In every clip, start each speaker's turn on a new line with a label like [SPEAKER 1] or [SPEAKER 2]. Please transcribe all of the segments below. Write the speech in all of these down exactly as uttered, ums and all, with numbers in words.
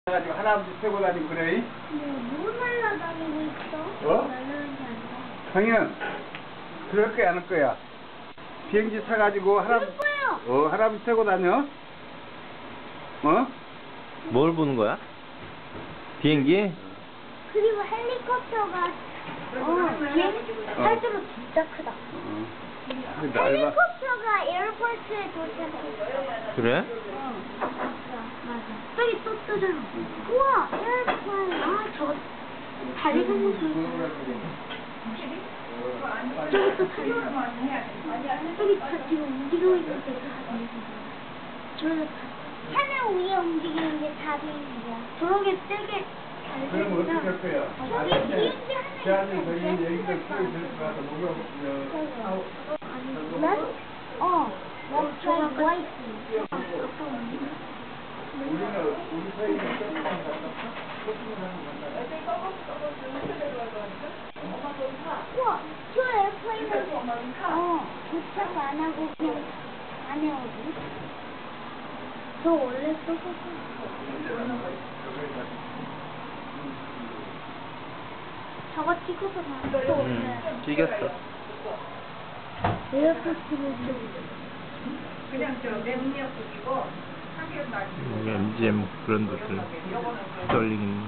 [SPEAKER 1] 가지고 할아버지 태고 다니고 그래?
[SPEAKER 2] 뭐 날라다니고 있어?
[SPEAKER 1] 어?
[SPEAKER 2] 날라다니지 않아.
[SPEAKER 1] 강현, 그럴 거야, 안 할 거야? 비행기 타가지고 할아버지,
[SPEAKER 2] 그럴 거예요.
[SPEAKER 1] 어, 할아버지 태고 다녀? 어?
[SPEAKER 3] 뭘 보는 거야? 비행기?
[SPEAKER 2] 그리고 헬리콥터가 어 비행 팔도로 진짜 크다.
[SPEAKER 1] 어. 근데 날 봐.
[SPEAKER 2] 헬리콥터가 에어포트에 도착했어.
[SPEAKER 3] 그래?
[SPEAKER 2] 어, 맞아, 맞아. 저기 또 뜨잖아. 우와, 에어플레인. 아, 저 달리는 모습. 저기 또 달리는 모습. 저기 다 지금 움직이고 있는데 다 비행기야. 하늘 위에 움직이는 게 다 비행기야. 저렇게 세게
[SPEAKER 1] 그럼 어떻게 할
[SPEAKER 2] 달리면
[SPEAKER 1] 거야?
[SPEAKER 2] 저기 비행기
[SPEAKER 1] 제안이 저기
[SPEAKER 2] 하늘
[SPEAKER 1] 얘기가 풀이 될 것 같아. 목욕, 어,
[SPEAKER 2] 아니, 난? 어, 난 저가 와 있지.
[SPEAKER 1] 우리는, 우리 사이는 서핑을 갔다, 서핑을 하는 거
[SPEAKER 2] 우와, 저 에어플레인은 어, 도착 안 하고 그냥 안 해오지. 저 원래 썼었어. 저거 찍어서 나또 원래
[SPEAKER 3] 응, 찍었어.
[SPEAKER 2] 에어포트를 좀
[SPEAKER 4] 그냥 저 랩미역국이고 삼겹 날
[SPEAKER 3] 여기 엠지엠 그런 것들. 스털링,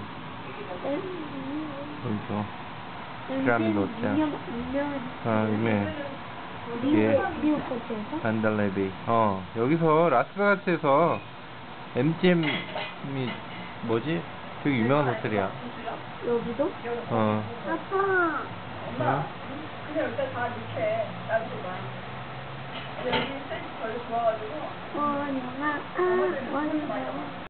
[SPEAKER 3] 여기서. 피라미드 호텔.
[SPEAKER 2] 유명한
[SPEAKER 3] 아, 유명해.
[SPEAKER 2] 미국
[SPEAKER 3] 예.
[SPEAKER 2] 미국 호텔에서
[SPEAKER 3] 반달레이. 어, 여기서 라스베가스에서 엠지엠이 뭐지? 되게 유명한 호텔이야.
[SPEAKER 2] 여기도
[SPEAKER 3] 어.
[SPEAKER 2] 아빠
[SPEAKER 3] 어?
[SPEAKER 4] 그냥 일단 다 이렇게 놔두고 여기 센스 별로 좋아가지고
[SPEAKER 2] 원영아 아 원영아